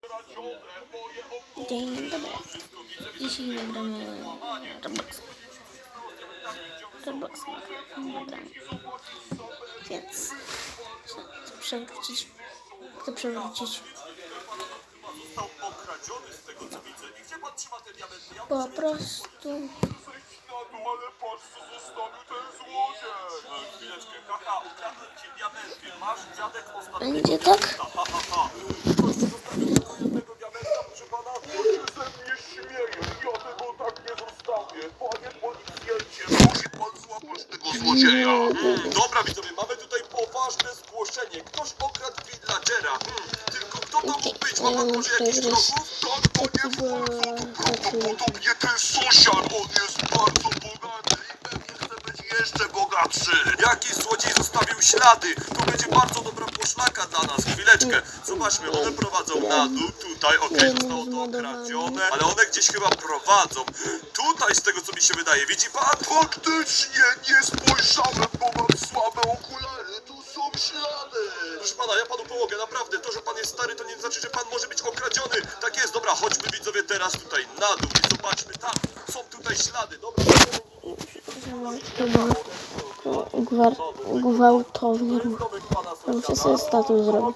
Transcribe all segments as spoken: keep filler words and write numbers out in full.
Dzień dobry. Dzisiaj nagramy Roblox. Roblox nagramy. Więc chcę przewrócić. Chcę przewrócić. Po prostu. Ale patrz, co zostawił ten złodziej! Chwileczkę, haha, ukradłem ci diamenty. Masz, dziadek, ostatni... Będzie tak? Ha, ha, ha, ha. Ktoś zostawił tego jednego diamenta, proszę pana? On się ze mnie śmieje. Ja tego tak nie zostawię. Panie policjancie, musi pan złapać tego złodzieja. Hmm, dobra, widzowie, mamy tutaj poważne zgłoszenie. Ktoś okradł villagera. Hmm, tylko kto to mógł być? Ma pan może jakiś wrogów? Tak, panie władzo, to prawdopodobnie ten sąsiad. On jest bardzo bogaty i pewnie chce być jeszcze bogatszy. Jakiś złodziej zostawił ślady. To będzie bardzo dobra poszlaka dla nas. Chwileczkę. Zobaczmy, one prowadzą na dół. Tutaj, okej, okay, zostało to okradzione. Ale one gdzieś chyba prowadzą. Tutaj, z tego co mi się wydaje. Widzi pan? Faktycznie nie spojrzałem, bo mam słabe okulary. Tu są ślady. Proszę pana, ja panu pomogę, naprawdę. To, że pan jest stary, to nie znaczy, że pan może być okradziony. Tak jest, dobra, chodźmy widzowie teraz tutaj na dół i zobaczmy. Tam są tutaj ślady, dobra. Gwar gwałtownie. Ja muszę sobie status zrobić.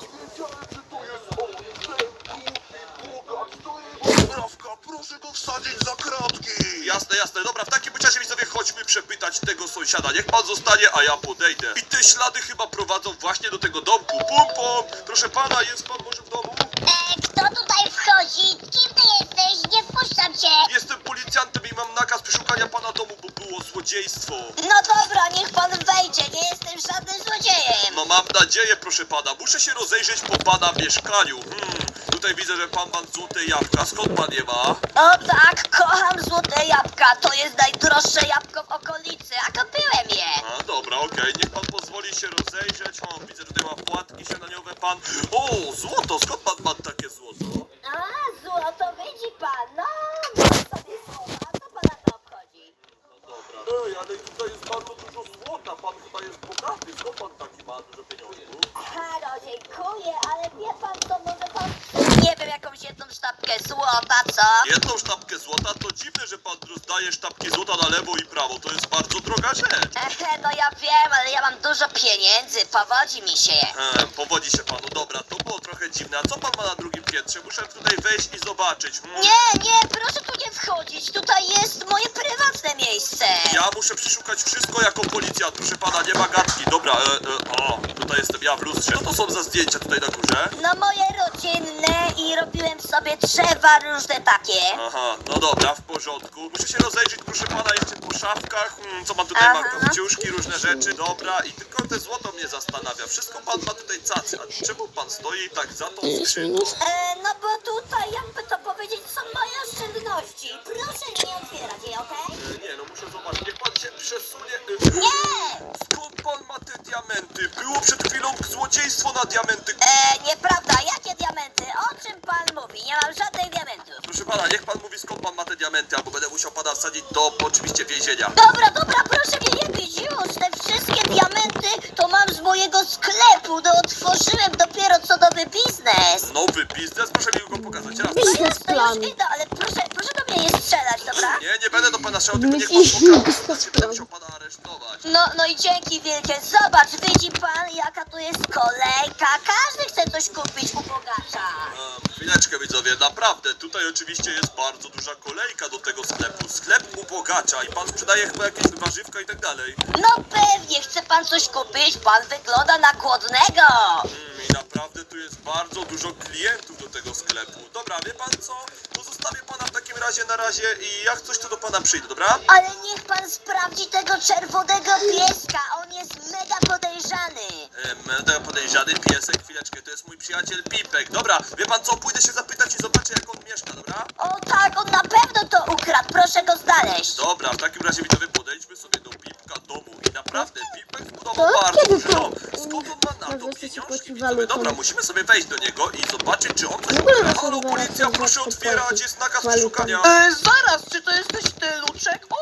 Proszę go wsadzić za kratki. Jasne, jasne. Dobra, w takim razie widzowie chodźmy przepytać tego sąsiada. Niech pan zostanie, a ja podejdę. I te ślady chyba prowadzą właśnie do tego domku. Pum, pum. Proszę pana, jest pan może w domu? E, kto tutaj wchodzi? Kim ty jesteś? Nie wpuszczam cię. Jestem policjantem i mam nakaz przeszukania pana domu, bo było złodziejstwo. No dobra, niech pan wejdzie. Nie jestem żadnym złodziejem. No mam nadzieję, proszę pana. Muszę się rozejrzeć po pana mieszkaniu. Hmm, tutaj widzę, że pan ma złote jabłka. Skąd pan je ma? O tak, kocham złote jabłka. To jest najdroższe jabłko w okolicy, a kupiłem je. A, dobra, okej, niech pan pozwoli się rozejrzeć. O, widzę, że tutaj ma płatki śniadaniowe pan. O, złoto, skąd pan ma takie złoto? A, złoto, widzi pan. No, mam sobie słowa. Co pana to obchodzi? No dobra. Ej, ale tutaj jest bardzo dużo złota. Pan chyba jest bogaty. Skąd pan taki ma dużo pieniążków? Ha, no dziękuję, ale wie pan co, może pan... Nie wiem, jakąś jedną sztabkę złota, co? Jedną sztabkę złota? To dziwne, że pan rozdaje sztabki złota na lewo i prawo. To jest bardzo droga rzecz. Ehe, no ja wiem, ale ja mam dużo pieniędzy, powodzi mi się. Ehm, powodzi się panu. Dobra, to było trochę dziwne. A co pan ma na drugim piętrze? Muszę tutaj wejść i zobaczyć. Hmm. Nie, nie, proszę tu nie wchodzić, tutaj jest moje prywatne miejsce. Ja muszę przeszukać wszystko jako policjant. Proszę pana, nie ma gadki. Dobra, e, e, o, tutaj jestem ja w lustrze. Co to są za zdjęcia tutaj na górze? No moje rodzinne i robiłem sobie drzewa różne takie. Aha, no dobra, w porządku. Muszę się rozejrzeć, proszę pana, jeszcze po szafkach. Hmm, co mam tutaj? Mam Aha. kopciuszki, różne rzeczy. Dobra, i tylko te złoto mnie zastanawia. Wszystko pan ma tutaj cacy. A czemu pan stoi tak za tą skrzynką? E, no bo tutaj, jakby to powiedzieć, są moje oszczędności. Proszę nie otwierać jej, okej? E, nie, no muszę zobaczyć. Niech pan się przesunie. E, Nie! Skąd pan ma te diamenty? Było przed chwilą złodziejstwo na diamenty. E, nieprawda, jakie diamenty? O czym pan mówi? Nie mam żadnych diamentów. Proszę pana, niech pan mówi, skąd pan ma te diamenty, albo będę musiał pana wsadzić do oczywiście więzienia. Dobra, dobra, proszę mnie nie bić już. Te wszystkie diamenty to mam z mojego sklepu. No otworzyłem dopiero co nowy biznes. Nowy biznes? Proszę mi go pokazać. Raz. No Biznes jasne, plan. już idę, ale proszę, proszę do mnie nie strzelać, dobra? Nie, nie będę do pana strzelał, tylko niech Biznes pan pokaże. plan. Znaczy, będę musiał pana aresztować. No, no i dzięki wielkie. Zobacz, widzi pan, jaka tu jest kolejka. Każdy chce coś kupić u bogacza. Um, chwileczkę widzowie, naprawdę, tutaj oczywiście jest bardzo duża kolejka do tego sklepu. Sklep ubogacza i pan sprzedaje chyba jakieś warzywka i tak dalej. No pewnie, chce pan coś kupić? Pan wygląda na głodnego. Mm, I naprawdę tu jest bardzo dużo klientów do tego sklepu. Dobra, wie pan co? To zostawię pana w takim razie na razie i jak coś to do pana przyjdę, dobra? Ale niech pan sprawdzi tego czerwonego pieska. On jest mega podejrzany. E, Mega podejrzany piesek, chwileczkę, to jest mój przyjaciel Pipek. Dobra, wie pan co? Pójdę się zapytać i zobaczę jak on mieszka, dobra? O tak, on na pewno to ukradł. Proszę go znaleźć. Dobra, w takim razie widzowie podejdźmy sobie do Pipka domu i naprawdę Pipek zbudował To bardzo kiedy duży to- dom. Skąd on ma na to Może chce się pieniążki, płacić widzowie? walutą. Dobra, musimy sobie wejść do niego i zobaczyć, czy on coś W ogóle na ukradł. Halo, serwerach policja, są proszę zawsze otwierać, płacić jest nakaz walutą. przeszukania. E, zaraz, czy to jesteś ty, Luczek? O co tutaj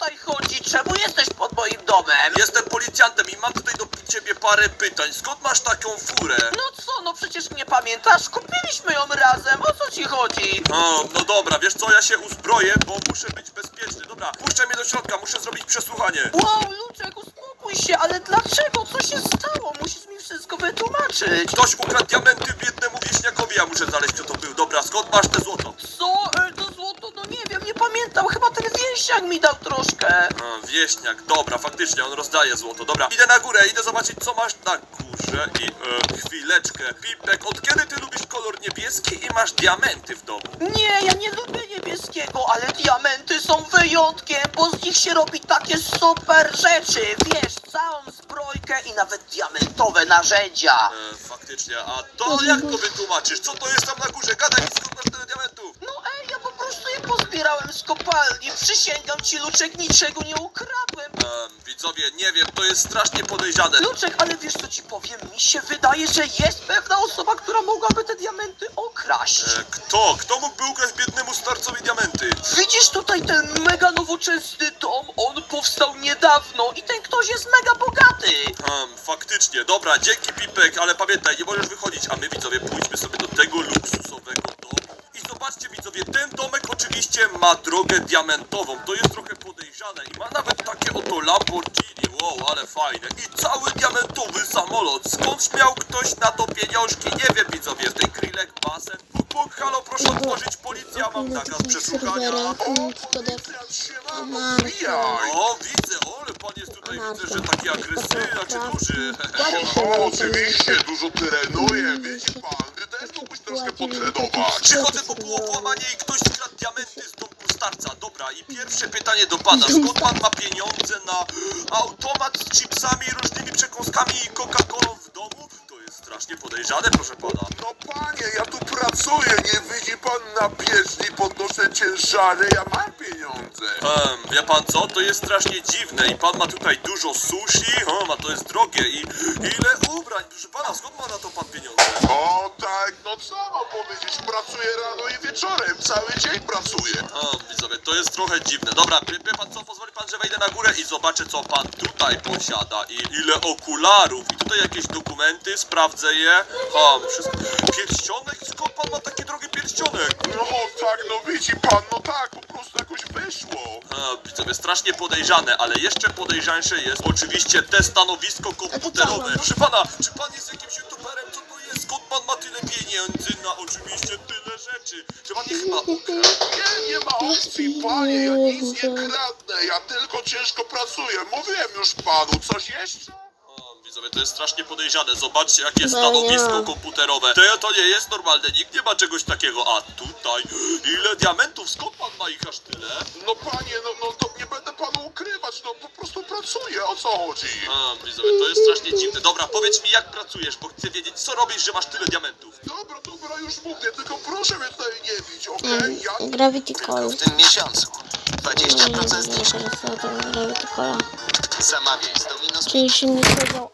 tutaj chodzi? Czemu jesteś pod moim domem? Jestem policjantem i mam tutaj do ciebie parę pytań. Skąd masz taką furę? No co, no przecież nie pamiętasz? Kupiliśmy ją razem, o co ci chodzi? O, no dobra, wiesz co, ja się uzbroję, bo muszę być bezpieczny. Dobra, puszczaj mnie do środka, muszę zrobić przesłuchanie. Wow, Luczek, uspokój się, ale dlaczego? Co się stało? Musisz mi wszystko wytłumaczyć. Ktoś ukradł diamenty biednemu wieśniakowi, ja muszę znaleźć, kto to był. Dobra, skąd masz te złoto? Co? E, To złoto? No nie wiem, nie pamiętam, chyba ten wieśniak mi dał troszkę. A, wieśniak, dobra, faktycznie, on rozdaje złoto. Dobra, idę na górę, idę zobaczyć, co masz na górze i... E, chwileczkę. Pipek, od kiedy ty lubisz kolor niebieski i masz diamenty w domu? Nie, ja nie lubię niebieskiego, ale diamenty są wyjątkiem, bo z nich się robi takie super rzeczy. Wiesz, całą zbrojkę i nawet diamentowe narzędzia. E, faktycznie, a to jak to wytłumaczysz? Co to jest tam na górze? Gadaj mi, skąd masz tyle diamentów? No ej, ja po prostu je pozbierałem z kopalni. Przysięgam ci, Luczek, niczego nie ukradłem. Em, widzowie, nie wiem, to jest strasznie podejrzane. Luczek, ale wiesz co ci powiem? Mi się wydaje, że jest pewna osoba, która mogłaby te diamenty okraść. E, kto? Kto mógłby ukraść biednemu starcowi diamenty? Widzisz tutaj ten mega nowoczesny dom? On powstał niedawno i ten ktoś jest mega bogaty. Um, faktycznie, dobra, dzięki Pipek, ale pamiętaj, nie możesz wychodzić, a my widzowie pójdźmy sobie do tego luksusowego domu. I zobaczcie widzowie, ten domek oczywiście ma drogę diamentową, to jest trochę podejrzane i ma nawet takie oto Lamborghini, wow, ale fajne. I cały diamentowy samolot, skąd miał ktoś na to pieniążki, nie wiem widzowie, w tej Krillek basen. Puk, puk, halo, proszę otworzyć, policja, mam Na nakaz takich przeszukania. serwerach, O, mm, szkoda. siemano, wbijaj. O, widzę, ale pan jest tutaj, widzę, że taki agresywny, znaczy duży. O, oczywiście, dużo trenuje, wiecie pan, ty też mógłbyś troszkę potrenować. Przychodzę po półokłamanie i ktoś skradł diamenty z domku starca. Dobra, i pierwsze pytanie do pana, skąd pan ma pieniądze na automat z chipsami, różnymi przekąskami i Coca-Colą w domu? To jest strasznie podejrzane, proszę pana. No panie, ja tu pracuję, nie widzi pan na bieżni, podnoszę ciężary, ja mam pieniądze. Ehm, wie pan co? To jest strasznie dziwne i pan ma tutaj dużo sushi, o, a to jest drogie i ile ubrań, proszę pana, skąd ma na to pan pieniądze? O tak, no co mam powiedzieć, pracuję rano i wieczorem, cały dzień pracuję. O, widzowie, to jest trochę dziwne. Dobra, wie, wie pan co, pozwoli pan, że wejdę na górę i zobaczę, co pan tutaj posiada i ile okularów. I tutaj jakieś dokumenty, sprawdzę je. O, wszystko. Pierścionek? Skąd pan ma taki drogi pierścionek? No tak, no widzi pan, no tak, po prostu jakoś wyszło. O, widzowie, strasznie podejrzane, ale jeszcze podejrzańsze jest oczywiście te stanowisko komputerowe. Proszę pana, czy pan jest jakimś youtuberem? Co to jest? Skąd pan ma tyle pieniędzy na oczywiście tyle rzeczy? Czy pan nie chyba ukradł? Nie, nie ma opcji, panie, ja nic nie kradnę, ja tylko ciężko pracuję. Mówiłem już panu, coś jeszcze? O, widzowie, to jest strasznie podejrzane. Zobaczcie, jakie Chyba stanowisko nie. komputerowe. To, to nie jest normalne, nikt nie ma czegoś takiego. A tutaj, ile diamentów? Skąd pan ma ich aż tyle? No panie, no, no to nie będę panu ukrywać, no po prostu pracuję, o co chodzi? A, widzowie, to jest strasznie dziwne. Dobra, powiedz mi, jak pracujesz, bo chcę wiedzieć, co robisz, że masz tyle diamentów. Dobra, dobra, już mówię, tylko proszę mnie tutaj nie bić, okej? Mm, Ja Gravity Tylko Call. w tym miesiącu. dwadzieścia procent Nie, zniżki. teraz to Gravity Call. Zamawiaj z Domino's. Czyli się nie powiedział.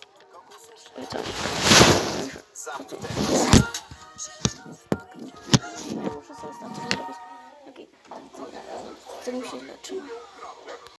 Oj, to. Muszę sobie stać zrobić. Okej. Co mi się zaczyna?